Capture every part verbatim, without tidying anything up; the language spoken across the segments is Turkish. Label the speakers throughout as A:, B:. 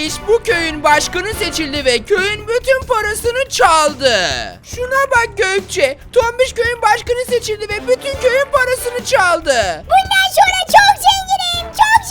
A: Tombiş bu köyün başkanı seçildi ve köyün bütün parasını çaldı. Şuna bak Gökçe. Tombiş köyün başkanı seçildi ve bütün köyün parasını çaldı.
B: Bundan sonra çok zenginim, çok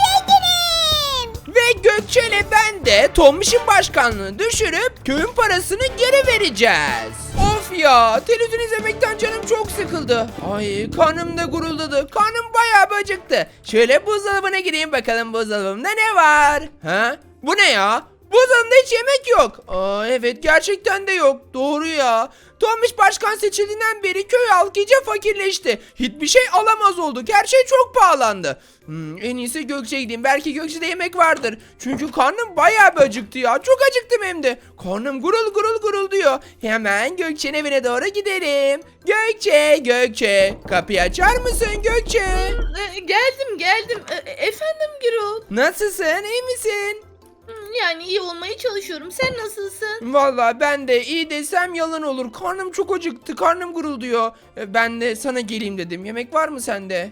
B: zenginim.
A: Ve Gökçe ile ben de Tombiş'in başkanlığını düşürüp köyün parasını geri vereceğiz. Of ya, televizyon izlemekten canım çok sıkıldı. Ay, karnım da guruldadı. Karnım bayağı bir acıktı. Şöyle buzdolabına gireyim bakalım buzdolabımda ne var? Ha? Bu ne ya? Buzdolabında hiç yemek yok. Aa, evet gerçekten de yok. Doğru ya. Tombiş başkan seçildiğinden beri köy halkı iyice fakirleşti. Hiçbir şey alamaz olduk. Her şey çok pahalandı. Hmm, en iyisi Gökçe'ye gideyim. Belki Gökçe'de yemek vardır. Çünkü karnım bayağı bir acıktı ya. Çok acıktım hem de. Karnım gurul gurul gurul diyor. Hemen Gökçe'nin evine doğru gidelim. Gökçe, Gökçe. Kapıyı açar mısın Gökçe?
C: E, Geldim geldim. E, Efendim Gürol.
A: Nasılsın? İyi misin?
C: Hmm, Yani iyi olmaya çalışıyorum. Sen nasılsın?
A: Vallahi ben de iyi desem yalan olur. Karnım çok acıktı. Karnım gurulduyor. E, Ben de sana geleyim dedim. Yemek var mı sende?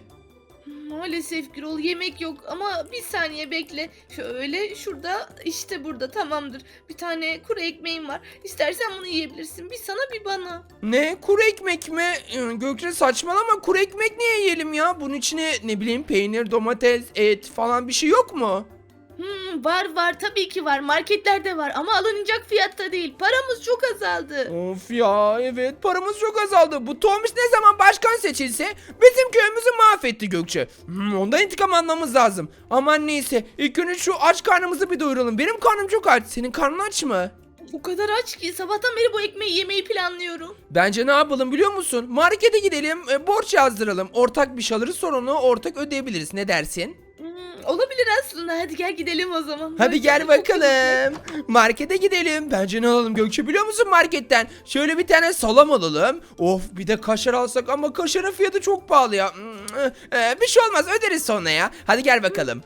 C: Maalesef Gürol yemek yok ama bir saniye bekle. Şöyle şurada işte burada tamamdır. Bir tane kuru ekmeğim var. İstersen bunu yiyebilirsin. Bir sana bir bana.
A: Ne? Kuru ekmek mi? Ee, Gökçe saçmalama. Kuru ekmek niye yiyelim ya? Bunun içine ne bileyim peynir, domates, et falan bir şey yok mu?
C: Hmm, var var tabii ki var. Marketlerde var ama alınacak fiyatta değil. Paramız çok azaldı.
A: Of ya, evet paramız çok azaldı. Bu Tomiş ne zaman başkan seçilse bizim köyümüzü mahvetti Gökçe. Hmm, ondan intikam almamız lazım. Aman neyse, ilk önce şu aç karnımızı bir doyuralım. Benim karnım çok aç. Senin karnın aç mı?
C: O kadar aç ki sabahtan beri bu ekmeği yemeyi planlıyorum.
A: Bence ne yapalım biliyor musun? Markete gidelim, e, borç yazdıralım. Ortak bir şey alırız, sonra onu ortak ödeyebiliriz. Ne dersin?
C: Hmm, olabilir aslında. Hadi gel gidelim o zaman.
A: Hadi
C: Böyle
A: gel
C: çok iyi
A: bakalım. Markete gidelim. Bence ne alalım Gökçe biliyor musun marketten? Şöyle bir tane salam alalım. Of, bir de kaşar alsak ama kaşarın fiyatı çok pahalı ya. Ee, bir şey olmaz, öderiz sonra ya. Hadi gel bakalım.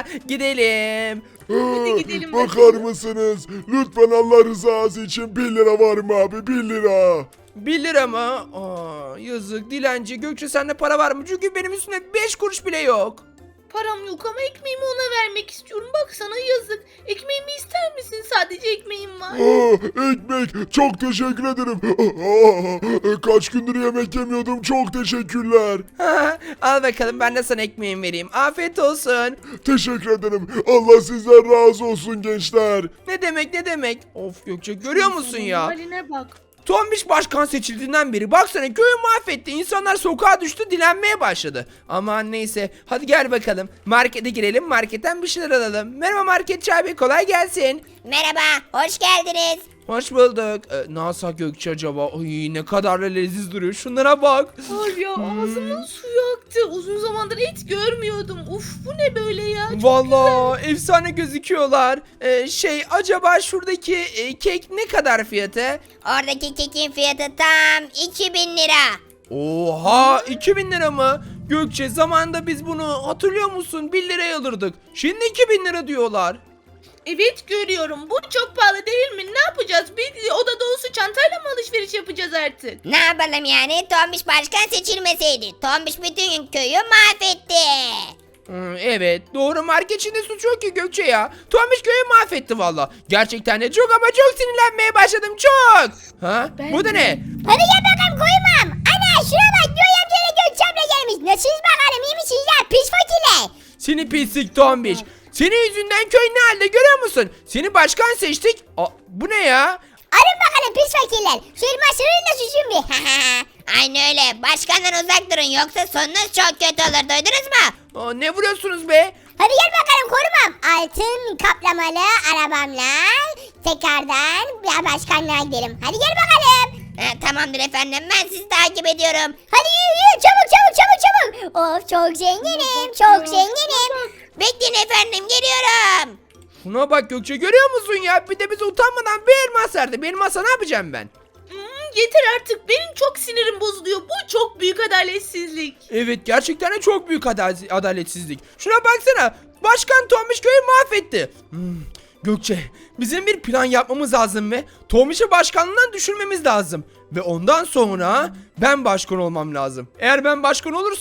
A: Gidelim.
C: Hadi gidelim
D: Bakar
C: bakalım.
D: mısınız? Lütfen Allah rızası için bir lira var mı abi? Bir lira.
A: bir lira mı? Aa, yazık dilenci. Gökçe sende para var mı? Çünkü benim üstümde beş kuruş bile yok.
C: Param yok ama ekmeğimi ona vermek istiyorum. Bak sana yazık. Ekmeğimi ister misin? Sadece ekmeğim var.
D: Aa, ekmek. Çok teşekkür ederim. Aa, kaç gündür yemek yemiyordum. Çok teşekkürler.
A: Al bakalım, ben de sana ekmeğimi vereyim. Afiyet olsun.
D: Teşekkür ederim. Allah sizden razı olsun gençler.
A: Ne demek ne demek? Of Gökçe, görüyor musun ya?
C: Haline bak.
A: Tombiş başkan seçildiğinden beri baksana köyü mahvetti. İnsanlar sokağa düştü, dilenmeye başladı. Aman neyse, hadi gel bakalım. Markete girelim, marketten bir şeyler alalım. Merhaba marketçi abi, kolay gelsin.
B: Merhaba, hoş geldiniz.
A: Hoş bulduk. Ee, ne alsak Gökçe acaba? Ay ne kadar da leziz duruyor. Şunlara bak.
C: Var ya ağzımın suyu aktı. Uzun zamandır et görmüyordum. Uf bu ne böyle ya? Çok
A: Vallahi efsane gözüküyorlar. Ee, şey acaba şuradaki e, kek ne kadar fiyatı?
B: Oradaki kekin fiyatı tam iki bin lira.
A: Oha, iki bin lira mı? Gökçe zamanında biz bunu hatırlıyor musun? bir liraya alırdık. Şimdi iki bin lira diyorlar.
C: Evet görüyorum. Bu çok pahalı değil mi? Ne yapacağız? Bir oda dolusu çantayla mı alışveriş yapacağız artık?
B: Ne yapalım yani? Tombiş başkan seçilmeseydi. Tombiş bütün köyü mahvetti.
A: Hmm, evet doğru, marketçinin de suçu yok ki Gökçe ya. Tombiş köyü mahvetti valla. Gerçekten de çok ama çok sinirlenmeye başladım, çok. Ha?
C: Ben
A: Bu da
C: de.
A: ne?
B: Hadi gel bakalım koymam. Ana şuna bak, Göğe amcayla Gökçem'le gelmiş. Nasılsınız bakalım, iyi misiniz ya pis fakirler?
A: Seni pislik Tombiş. Senin yüzünden köy ne halde görüyor musun? Seni başkan seçtik. Aa, bu ne ya?
B: Arın bakalım pis fakirler. Şu elmasını da süzün bir. Aynen öyle. Başkandan uzak durun yoksa sonunuz çok kötü olur. Duydunuz mu?
A: Aa, ne vuruyorsunuz be?
B: Hadi gel bakalım korumam. Altın kaplamalı arabamla tekrardan bir başkanlığa gidelim. Hadi gel bakalım. Ha, tamamdır efendim, ben sizi takip ediyorum. Hadi yürü yürü, çabuk çabuk çabuk çabuk. Of çok zenginim, çok zenginim. Bekleyin efendim, geliyorum.
A: Şuna bak Gökçe, görüyor musun ya? Bir de bize utanmadan bir elmas verdi. Bir elmasa ne yapacağım ben?
C: Hmm, yeter artık. Benim çok sinirim bozuluyor. Bu çok büyük adaletsizlik.
A: Evet gerçekten de çok büyük adal- adaletsizlik. Şuna baksana. Başkan Tombiş köyü mahvetti. Hmm, Gökçe, bizim bir plan yapmamız lazım ve Tombiş'i başkanlığından düşürmemiz lazım. Ve ondan sonra ben başkan olmam lazım. Eğer ben başkan olursam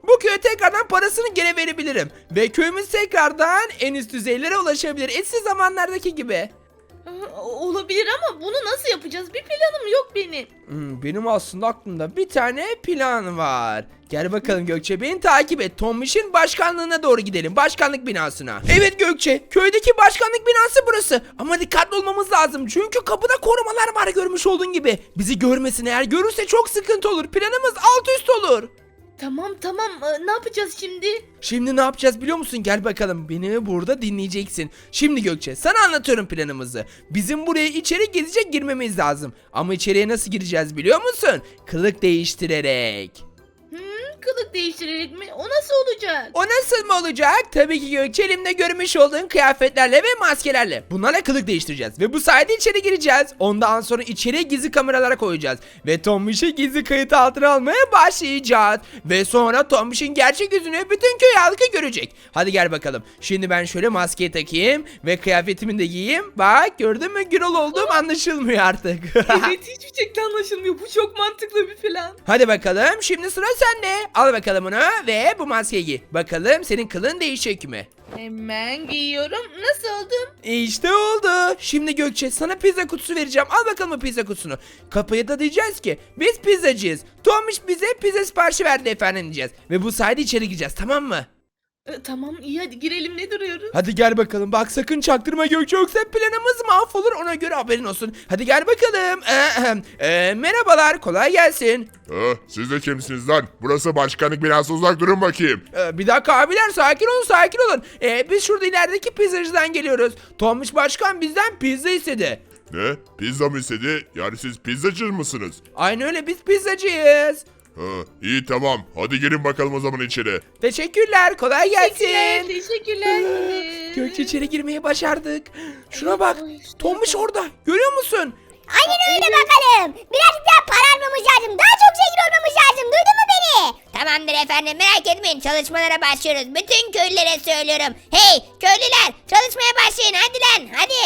A: bu köye tekrardan parasını geri verebilirim. Ve köyümüz tekrardan en üst düzeylere ulaşabilir. Eski zamanlardaki gibi.
C: Aa, olabilir ama bunu nasıl yapacağız? Bir planım yok benim.
A: Hmm, benim aslında aklımda bir tane plan var. Gel bakalım Gökçe, beni takip et. Tombiş'in başkanlığına doğru gidelim. Başkanlık binasına. Evet Gökçe, köydeki başkanlık binası burası. Ama dikkatli olmamız lazım. Çünkü kapıda korumalar var, görmüş olduğun gibi. Bizi görmesin, eğer görürse çok sıkıntı olur. Planımız alt üst olur.
C: Tamam tamam Ee, ne yapacağız şimdi?
A: Şimdi ne yapacağız biliyor musun? Gel bakalım, beni burada dinleyeceksin. Şimdi Gökçe, sana anlatıyorum planımızı. Bizim buraya içeri gizlice girmemiz lazım. Ama içeriye nasıl gireceğiz biliyor musun? Kılık değiştirerek.
C: Hmm, kılık değiştirerek mi? O nasıl olacak?
A: O nasıl mı olacak? Tabii ki Gökçe, elimde görmüş olduğun kıyafetlerle ve maskelerle. Bunlarla kılık değiştireceğiz. Ve bu sayede içeri gireceğiz. Ondan sonra içeriye gizli kameralara koyacağız. Ve Tombiş'i gizli kayıt altına almaya başlayacağız. Ve sonra Tombiş'in gerçek yüzünü bütün köy halkı görecek. Hadi gel bakalım. Şimdi ben şöyle maskeyi takayım. Ve kıyafetimi de giyeyim. Bak, gördün mü? Gürol olduğum anlaşılmıyor artık.
C: Evet hiçbir şekilde anlaşılmıyor. Bu çok mantıklı bir plan.
A: Hadi bakalım, şimdi sıra sende. Al bakalım onu ve bu maskeyi giy. Bakalım senin kılın değişecek mi?
C: Hemen giyiyorum. Nasıl oldum?
A: İşte oldu. Şimdi Gökçe, sana pizza kutusu vereceğim. Al bakalım bu pizza kutusunu. Kapıya da diyeceğiz ki biz pizzacıyız. Tomiş bize pizza siparişi verdi efendim diyeceğiz. Ve bu sayede içeri gireceğiz, tamam mı?
C: Ee, tamam iyi hadi girelim, ne duruyoruz?
A: Hadi gel bakalım. Bak sakın çaktırma Gökçe, yoksa planımız mahvolur, ona göre haberin olsun. Hadi gel bakalım. Ee, e, merhabalar, kolay gelsin.
D: Ha, siz de kimsiniz lan? Burası başkanlık binası, uzak durun bakayım.
A: Ee, bir dakika abiler, sakin olun sakin olun. Ee, biz şurada ilerideki pizzacıdan geliyoruz. Tomiş Başkan bizden pizza istedi.
D: Ne? Pizza mı istedi? Yani siz pizzacı mısınız?
A: Aynı öyle, biz pizzacıyız.
D: Ha, iyi tamam. Hadi girin bakalım o zaman içeri.
A: Teşekkürler, kolay
C: Teşekkürler.
A: gelsin.
C: Teşekkürler.
A: Gökçe, içeri girmeyi başardık. Şuna bak,
C: Ay, işte
A: Tomiş orada, görüyor musun?
B: Aynen öyle bakalım. Birazcık daha para almamız lazım. Daha çok zengin olmamız lazım. Duydun mu beni?
E: Tamamdır efendim, merak etmeyin, çalışmalara başlıyoruz. Bütün köylülere söylüyorum. Hey köylüler, çalışmaya başlayın hadi lan, hadi.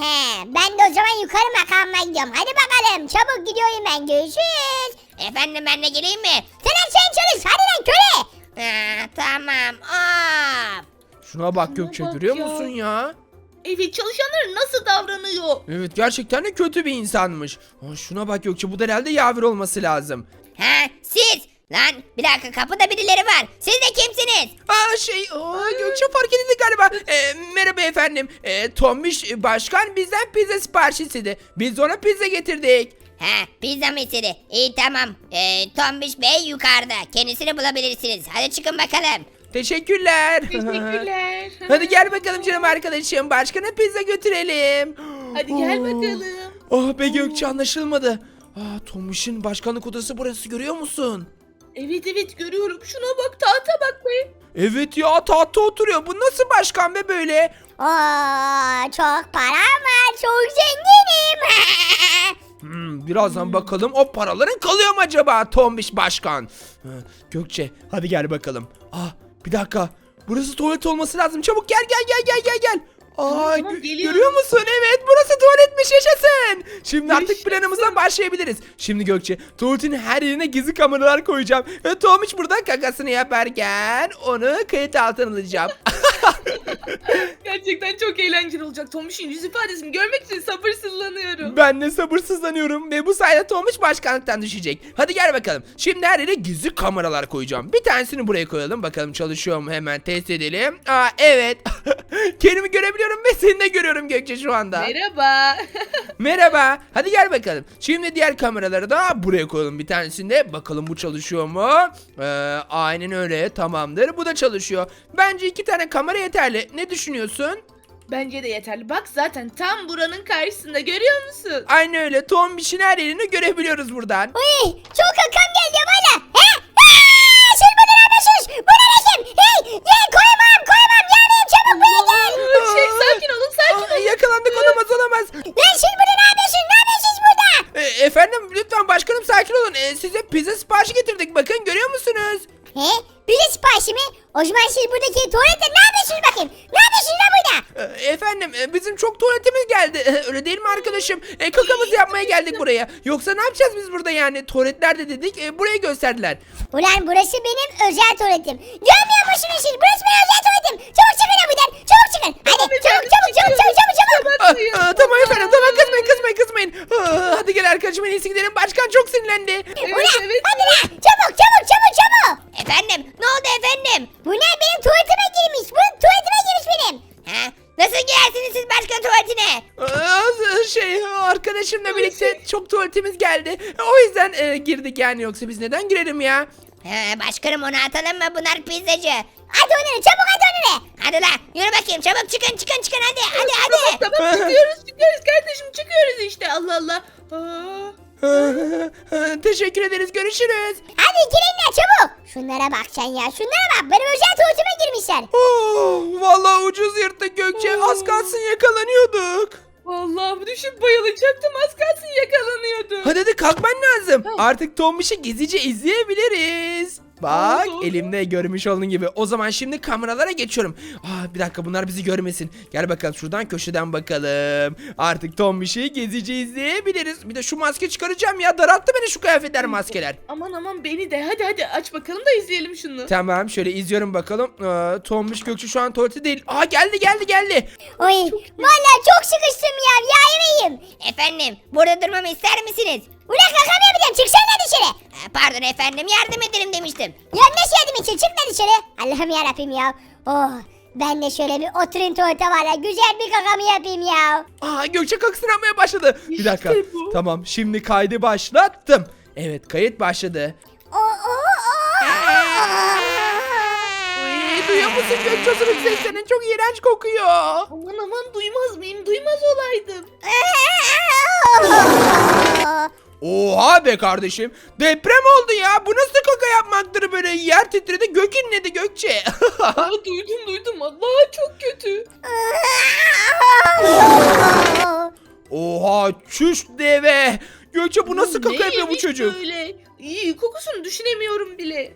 B: Ben de o zaman yukarı makamına gidiyorum. Hadi bakalım. Çabuk gidiyorum ben. Görüşürüz.
E: Efendim ben de geleyim mi?
B: Sen her şeyin çalış. Hadi lan köle.
E: Ha, tamam. Hop.
A: Şuna bak
C: Şuna
A: Gökçe,
C: bak
A: görüyor
C: ya.
A: musun ya?
C: Evet, çalışanlar nasıl davranıyor?
A: Evet, gerçekten de kötü bir insanmış. Aa, şuna bak Gökçe, bu da herhalde Yavir olması lazım.
E: Ha siz. Lan bir dakika, kapıda birileri var. Siz de kimsiniz?
A: Aa şey, aa, Gökçe fark edildi galiba. Ee, merhaba efendim. Ee, Tomiş Başkan bizden pizza siparişi istedi. Biz de ona pizza getirdik.
E: Ha pizza mı istedi? İyi tamam. Ee, Tombiş Bey yukarıda. Kendisini bulabilirsiniz. Hadi çıkın bakalım.
A: Teşekkürler.
C: Teşekkürler.
A: Hadi gel bakalım canım arkadaşım. Başkana pizza götürelim.
C: Hadi gel
A: Oo.
C: bakalım.
A: Ah be Gökçe, anlaşılmadı. Aa, Tomiş'in başkanlık odası burası, görüyor musun?
C: Evet evet görüyorum. Şuna bak, tahta bak be.
A: Evet ya, tahtta oturuyor. Bu nasıl başkan be böyle?
B: Oo, çok param var. Çok zenginim.
A: Hmm, birazdan bakalım o paraların kalıyor mu acaba Tombiş Başkan? Ha, Gökçe, hadi gel bakalım. Ah, bir dakika. Burası tuvalet olması lazım. Çabuk gel gel gel gel gel gel. Aa,
C: tamam,
A: gö-
C: geliyorum.
A: görüyor musun? Evet, burası tuvaletmiş, yaşasın. Şimdi artık
C: Yaşasın.
A: planımıza başlayabiliriz. Şimdi Gökçe, tuvaletin her yerine gizli kameralar koyacağım. Ve Tomiş burada kakasını yaparken onu kayıt altına alacağım.
C: Gerçekten çok eğlenceli olacak. Tomiş'in yüz ifadesini görmek için sabırsızlanıyorum.
A: Ben de sabırsızlanıyorum ve bu sayede Tomiş başkanlıktan düşecek. Hadi gel bakalım. Şimdi her yere gizli kameralar koyacağım. Bir tanesini buraya koyalım. Bakalım çalışıyor mu, hemen test edelim. Aa evet. Kendimi görebiliyorum ve seni de görüyorum Gökçe şu anda.
C: Merhaba.
A: Merhaba. Hadi gel bakalım. Şimdi diğer kameraları da buraya koyalım bir tanesinde. Bakalım bu çalışıyor mu? Ee, aynen öyle. Tamamdır. Bu da çalışıyor. Bence iki tane kamera yeterli. Ne düşünüyorsun?
C: Bence de yeterli. Bak zaten tam buranın karşısında, görüyor musun?
A: Aynen öyle. Tombiş'in her yerini görebiliyoruz buradan.
B: Uy, çok akım geldi bana. He? Aa, siz bunu ne yapıyorsunuz? Bu ne resim? Hey, hey, koyamam, koyamam. Yanayım, çabuk buraya gel.
C: Aa, Şey sakin olun, sakin
A: Aa,
C: olun.
A: yakalandık, olamaz olamaz.
B: Lan siz bunu ne yapıyorsunuz? Ne yapıyorsunuz burada?
A: E, efendim lütfen başkanım, sakin olun. E, size pizza siparişi getirdik, bakın görüyor musunuz?
B: He? Bize siparişi mi? O zaman siz buradaki tuvalette ne yapıyorsunuz bakayım? Ne yapıyorsunuz lan burada?
A: Ee, Efendim e, bizim çok tuvaletimiz geldi. Öyle değil mi arkadaşım? E, kakamızı yapmaya geldik buraya. Yoksa ne yapacağız biz burada yani? Tuvaletlerde dedik e, burayı gösterdiler.
B: Ulan burası benim özel tuvaletim. Görmüyor musunuz siz? Burası benim özel tuvaletim. Çabuk çıkın ya buradan. Çabuk çıkın. Hadi çabuk çabuk çabuk çabuk çabuk çabuk.
A: Aa, aa, tamam efendim tamam kızmayın kızmayın kızmayın. Aa, hadi gel arkadaşım en iyisi gidelim. Başkan çok sinirlendi.
B: Ulan
C: evet.
B: hadi lan. Çabuk çabuk çabuk çabuk.
E: Efendim ne oldu efendim?
B: Bu ne benim tuvaletime girmiş. Bu tuvaletime girmiş benim.
E: Ha? Nasıl girersiniz siz başkan tuvaletine?
A: Aa, şey arkadaşımla birlikte çok tuvaletimiz geldi. O yüzden e, girdik yani yoksa biz neden girelim ya?
E: Ha, başkanım onu atalım mı? Bunlar pizzacı.
B: Hadi onları çabuk hadi onları.
E: Hadi la yürü bakayım çabuk çıkın çıkın çıkın hadi hadi hadi.
C: Tamam çıkıyoruz çıkıyoruz kardeşim çıkıyoruz işte Allah Allah. Aa.
A: Teşekkür ederiz görüşürüz.
B: Hadi girin ya çabuk. Şunlara bak sen ya şunlara bak. Benim özel tuvaletime girmişler.
A: Oh, vallahi ucuz yırttık Gökçe. Az kalsın yakalanıyorduk.
C: Vallahi düşüp bayılacaktım az kalsın yakalanıyordum.
A: Hadi hadi kalkman lazım. Artık Tombiş'i gizlice izleyebiliriz. Bak
C: Oldu.
A: elimde görmüş olduğun gibi. O zaman şimdi kameralara geçiyorum. Aa, bir dakika bunlar bizi görmesin. Gel bakalım şuradan köşeden bakalım. Artık Tombiş'i gizlice izleyebiliriz. Bir de şu maske çıkaracağım ya. Daralttı beni şu kıyafetler maskeler.
C: Aman aman beni de hadi hadi aç bakalım da izleyelim şunu.
A: Tamam şöyle izliyorum bakalım. Aa, Tombiş Gökçe şu an tuvalette değil. Aa geldi geldi geldi.
B: Oy vallahi çok sıkıştım ya. Ya yemeğim.
E: Efendim burada durmamı ister misiniz?
B: Ulan kakam yapacağım. Çıksana dışarı.
E: Ha, pardon efendim yardım ederim demiştim.
B: Ya nasıl yardım için? Çık lan dışarı. Allah'ım yarabbim ya. Oh ben de şöyle bir oturayım tuvalete var ya. Güzel bir kakamı yapayım ya.
A: Aa Gökçe kalksın yapmaya başladı. Bir
C: İşte
A: dakika.
C: bu.
A: Tamam şimdi kaydı başlattım. Evet kayıt başladı.
B: Oh oh oh.
A: Ay, duyuyor musun Gökçe osuruk seslerini? Çok iğrenç kokuyor.
C: Aman aman duymaz mıyım duymaz olaydım.
A: Oha be kardeşim. Deprem oldu ya. Bu nasıl kaka yapmaktır böyle? Yer titredi gök inledi Gökçe.
C: Aa, duydum duydum Allah çok kötü.
A: Oha çüş deve. Gökçe bu nasıl kaka
C: Ne
A: yapıyor bu
C: yemiş
A: çocuk?
C: Böyle? İyi kokusunu düşünemiyorum bile.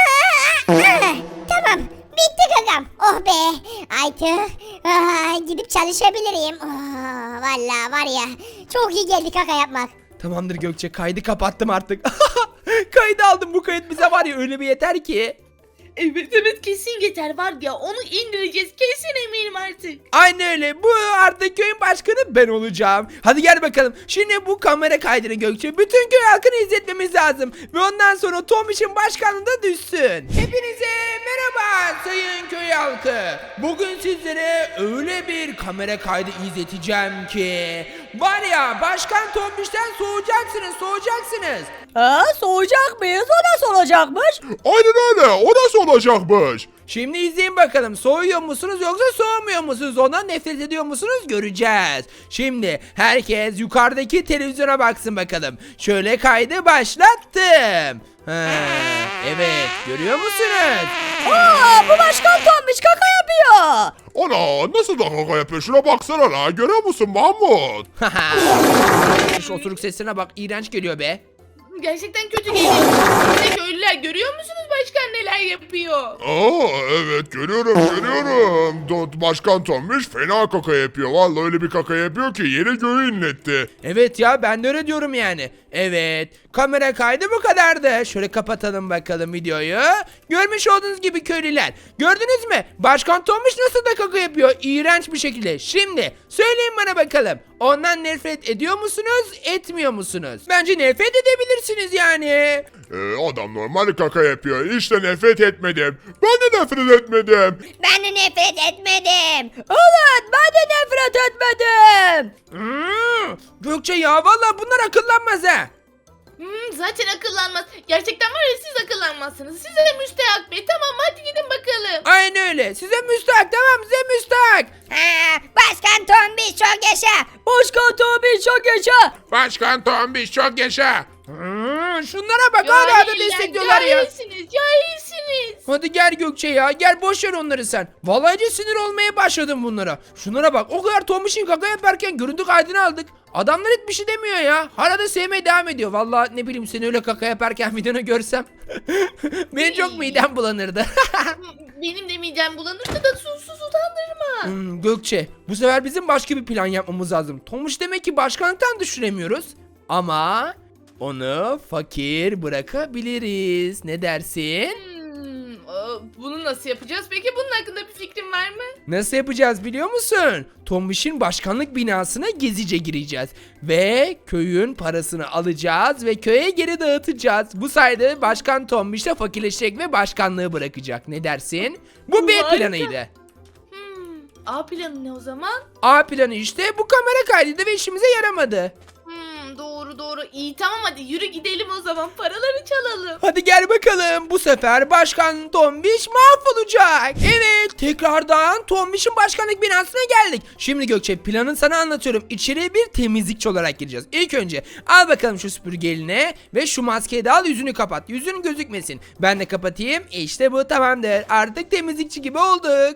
B: Tamam bitti kakam. Oh be. Artık ah, gidip çalışabilirim. Oh, vallahi var ya çok iyi geldi kaka yapmak.
A: Tamamdır Gökçe kaydı kapattım artık. Kaydı aldım bu kayıt bize var ya öyle bir yeter ki.
C: Evet evet kesin yeter var ya onu indireceğiz kesin eminim artık.
A: Aynen öyle. Bu artık köyün başkanı ben olacağım. Hadi gel bakalım. Şimdi bu kamera kaydını Gökçe bütün köy halkını izletmemiz lazım. Ve ondan sonra Tombiş'in başkanlığı da düşsün. Hepinize merhaba sayın köy halkı. Bugün sizlere öyle bir kamera kaydı izleteceğim ki var ya başkan Tombiş'ten soğuyacaksınız soğuyacaksınız.
F: Ha, soğuyacak mıyız? O nasıl olacakmış?
D: Aynen öyle. O nasıl olacakmış?
A: Şimdi izleyin bakalım soğuyor musunuz yoksa soğumuyor musunuz ondan nefret ediyor musunuz göreceğiz. Şimdi herkes yukarıdaki televizyona baksın bakalım. Şöyle kaydı başlattım. Ha, evet görüyor musunuz?
F: Aa, bu başkan Tombiş kaka yapıyor.
D: Ana nasıl da kaka yapıyor? Şuna baksana la. Görüyor musun Mahmut?
A: Şu oturuk sesine bak iğrenç geliyor be.
C: Gerçekten kötü geliyor. Size köylüler görüyor musunuz başkan neler yapıyor?
D: Aa evet görüyorum görüyorum. Do- Başkan Tombiş fena kaka yapıyor. Vallahi öyle bir kaka yapıyor ki yeri göğü inletti.
A: Evet ya ben de öyle diyorum yani. Evet kamera kaydı bu kadardı. Şöyle kapatalım bakalım videoyu. Görmüş olduğunuz gibi köylüler. Gördünüz mü? Başkan Tomuş nasıl da kaka yapıyor? İğrenç bir şekilde. Şimdi söyleyin bana bakalım. Ondan nefret ediyor musunuz? Etmiyor musunuz? Bence nefret edebilirsiniz yani.
D: Ee, adam normal kaka yapıyor. İşte nefret etmedim. Ben de nefret etmedim.
E: Ben de nefret etmedim.
F: Evet, ben de nefret etmedim.
A: Hmm, Gökçe ya valla bunlar akıllanmaz ha.
C: Hmm, zaten akıllanmaz. Gerçekten var ya siz akıllanmazsınız. Size müstehak be. Tamam hadi gidin bakalım.
A: Aynen öyle. Size müstahak tamam size müstahak.
E: Ha, başkan Tombiş çok yaşa.
F: Başkan Tombiş çok yaşa.
D: Başkan Tombiş çok yaşa.
A: Hmm, şunlara bak hala da
C: Cahiller,
A: destekliyorlar ya.
C: Cahilsiniz cahilsiniz.
A: Hadi gel Gökçe ya, gel boş ver onları sen. Vallahi iyice sinir olmaya başladım bunlara. Şunlara bak, o kadar Tombiş'in kaka yaparken görüntü kaydını aldık. Adamlar hiçbir şey demiyor ya. Hala da sevmeye devam ediyor. Vallahi ne bileyim, seni öyle kaka yaparken videonu görsem benim çok midem bulanırdı.
C: Benim de midem bulanırdı da susuz utandırma.
A: Hmm, Gökçe, bu sefer bizim başka bir plan yapmamız lazım. Tombiş demek ki başkanlıktan düşüremiyoruz. Ama onu fakir bırakabiliriz. Ne dersin?
C: Hmm, aa, bunu nasıl yapacağız? Peki bunun hakkında bir fikrin var mı?
A: Nasıl yapacağız biliyor musun? Tombiş'in başkanlık binasına gizlice gireceğiz. Ve köyün parasını alacağız ve köye geri dağıtacağız. Bu sayede Başkan Tombiş de fakirleşecek ve başkanlığı bırakacak. Ne dersin? Bu B
C: Harika.
A: planıydı.
C: Hmm, A planı ne o zaman?
A: A planı işte bu kamera kaydıydı ve işimize yaramadı.
C: Hmm, doğru doğru. İyi tamam hadi yürü gidelim o zaman. Paraları çalalım.
A: Hadi gel bakalım. Bu sefer Başkan Tombiş mahvolacak. Evet, tekrardan Tombiş'in başkanlık binasına geldik. Şimdi Gökçe, planın sana anlatıyorum. İçeriye bir temizlikçi olarak gireceğiz. İlk önce al bakalım şu süpürge eline ve şu maskeyi de al, yüzünü kapat. Yüzün gözükmesin. Ben de kapatayım. İşte bu tamamdır. Artık temizlikçi gibi olduk.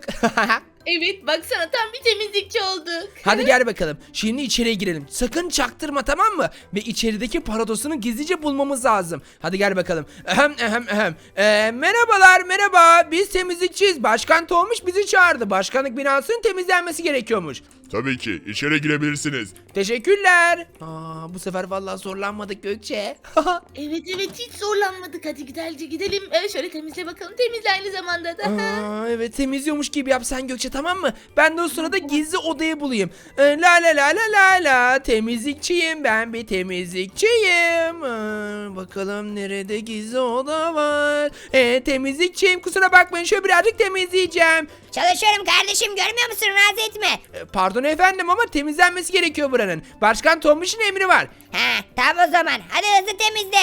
C: Evet baksana tam bir temizlikçi olduk.
A: Hadi gel bakalım. Şimdi içeriye girelim. Sakın çaktırma, tamam mı? Ve içerideki paradosunu gizlice bulmamız lazım. Hadi gel bakalım. Ahem ahem ahem. Ee, merhabalar merhaba. Biz temizlikçiyiz. Başkan Tombiş bizi çağırdı. Başkanlık binasının temizlenmesi gerekiyormuş.
D: Tabii ki içeri girebilirsiniz.
A: Teşekkürler. Aa, bu sefer vallahi zorlanmadık Gökçe.
C: Evet evet hiç zorlanmadık. Hadi güzelce gidelim. Ee, şöyle temizle bakalım. Temizle aynı zamanda da.
A: Aa, evet, temizliyormuş gibi yap sen Gökçe, tamam mı? Ben de o sırada gizli odayı bulayım. Ee, la la la la la la. Temizlikçiyim, ben bir temizlikçiyim. Aa, bakalım nerede gizli oda var. Ee, temizlikçiyim, kusura bakmayın, şöyle birazcık temizleyeceğim.
E: Çalışıyorum kardeşim, görmüyor musun? Rahatsız etme.
A: Ee, pardon efendim ama temizlenmesi gerekiyor buranın. Başkan Tombiş'in emri var.
E: Ha tamam o zaman. Hadi hızlı temizle.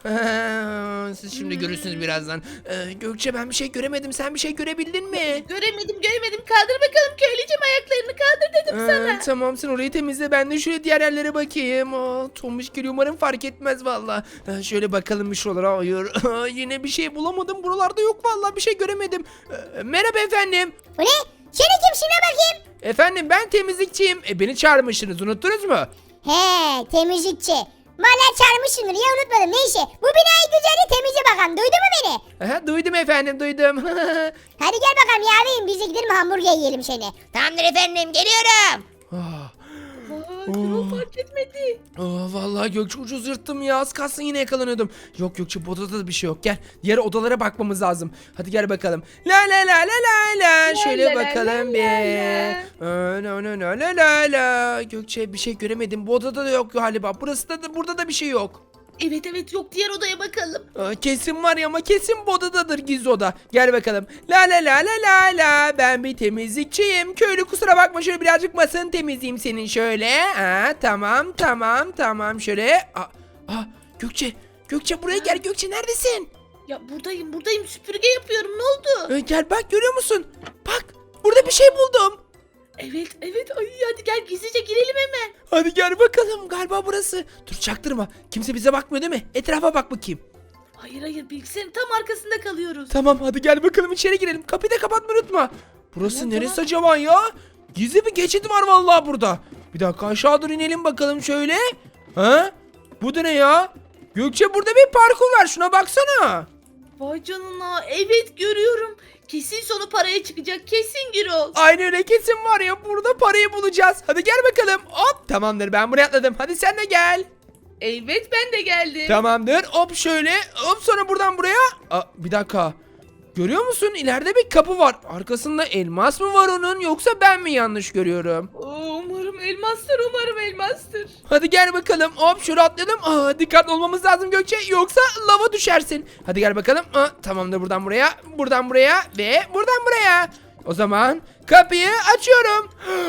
A: Aa, siz şimdi görürsünüz birazdan. Ee, Gökçe, ben bir şey göremedim, sen bir şey görebildin mi?
C: Göremedim göremedim. Kaldır bakalım köylücüm ayaklarını kaldır dedim
A: Ee,
C: sana.
A: tamam, sen orayı temizle, ben de şöyle diğer yerlere bakayım. Aa, Tombiş geliyor, umarım fark etmez valla. Ee, şöyle bakalım bir şuralara. Hayır Aa, yine bir şey bulamadım, buralarda yok valla, bir şey göremedim. Ee, merhaba efendim.
B: Bu ne? Seni kimsin ne bakayım?
A: Efendim, ben temizlikçiyim. E, beni çağırmışsınız, unuttunuz mu?
B: He, temizlikçi. Valla çağırmışsındır ya, unutmadım. Neyse, bu binayı güzelce temizle bakalım. Duydun mu beni?
A: Aha, duydum efendim, duydum.
B: Hadi gel bakalım yavrum, biz de gidelim hamburger yiyelim seni.
E: Tamamdır efendim, geliyorum.
A: Ah.
C: Aa, Gürol fark etmedi.
A: Aa, vallahi Gökçe, ucuz yırttım ya, az kalsın yine yakalanıyordum. Yok Gökçe, bu odada da bir şey yok, gel. Diğer odalara bakmamız lazım. Hadi gel bakalım. La la la la la la. Şöyle
C: la la
A: bakalım
C: la
A: bir.
C: la.
A: Aa, La la la la la la. Gökçe, bir şey göremedim. Bu odada da yok galiba. Burası da, da burada da bir şey yok.
C: Evet evet yok diğer odaya bakalım.
A: Aa, kesin var ya, ama kesin bu odadadır, gizli oda. Gel bakalım. La la la la la la. Ben bir temizlikçiyim. Köylü, kusura bakma, şöyle birazcık masanı temizleyeyim senin şöyle. Ha, tamam tamam tamam, şöyle. Aa, aa, Gökçe. Gökçe, buraya gel. Gökçe, neredesin?
C: Ya buradayım buradayım süpürge yapıyorum ne oldu?
A: Ee, gel bak, görüyor musun? Bak, burada bir şey buldum.
C: Evet evet ay hadi gel gizlice girelim hemen.
A: Hadi gel bakalım, galiba burası. Dur, çaktırma. Kimse bize bakmıyor değil mi? Etrafa bak bakayım.
C: Hayır hayır bilgisayarın tam arkasında kalıyoruz.
A: Tamam, hadi gel bakalım, içeri girelim. Kapıyı da kapatmayı unutma. Burası
C: Tamam,
A: neresi
C: tamam.
A: acaba ya? Gizli bir geçit var vallahi burada. Bir dakika, aşağı doğru inelim bakalım şöyle. Ha? Bu da ne ya? Gökçe, burada bir parkur var, şuna baksana.
C: Vay canına evet görüyorum. Kesin sonu paraya çıkacak kesin Gürol.
A: Aynı öyle, kesin var ya, burada parayı bulacağız. Hadi gel bakalım. Hop, tamamdır, ben buraya atladım. Hadi sen de gel.
C: Evet ben de geldim.
A: Tamamdır. Hop şöyle. Hop, sonra buradan buraya. Aa, bir dakika. Görüyor musun? İleride bir kapı var. Arkasında elmas mı var onun, yoksa ben mi yanlış görüyorum?
C: Oo, umarım elmastır umarım elmastır.
A: Hadi gel bakalım. Hop, şöyle atlayalım. Aa, dikkatli olmamız lazım Gökçe, yoksa lava düşersin. Hadi gel bakalım. Aa, tamamdır, buradan buraya. Buradan buraya ve buradan buraya. O zaman kapıyı açıyorum.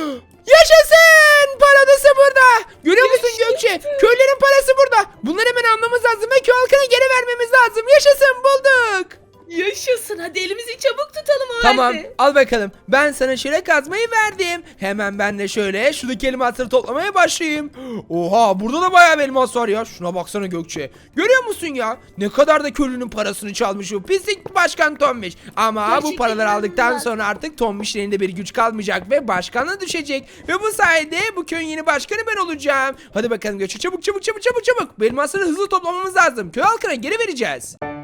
A: Yaşasın! Paradası burada. Görüyor musun Gökçe? Köylerin parası burada. Bunları hemen almamız lazım ve köy halkına geri vermemiz lazım. Yaşasın, bulduk.
C: Yaşasın hadi elimizi çabuk tutalım o
A: Tamam
C: de.
A: al bakalım. Ben sana şöyle kazmayı verdim. Hemen ben de şöyle şuradaki elmasları toplamaya başlayayım. Oha burada da bayağı bir elmas var ya. Şuna baksana Gökçe. Görüyor musun ya? Ne kadar da köylünün parasını çalmış bu pislik başkan Tombiş. Ama bu
C: Gerçekten
A: paraları aldıktan
C: inanılmaz.
A: sonra artık Tombiş'in elinde bir güç kalmayacak ve başkanlığa düşecek. Ve bu sayede bu köyün yeni başkanı ben olacağım. Hadi bakalım Gökçe çabuk çabuk çabuk çabuk çabuk. Bu elmasları hızlı toplamamız lazım. Köy halkına geri vereceğiz.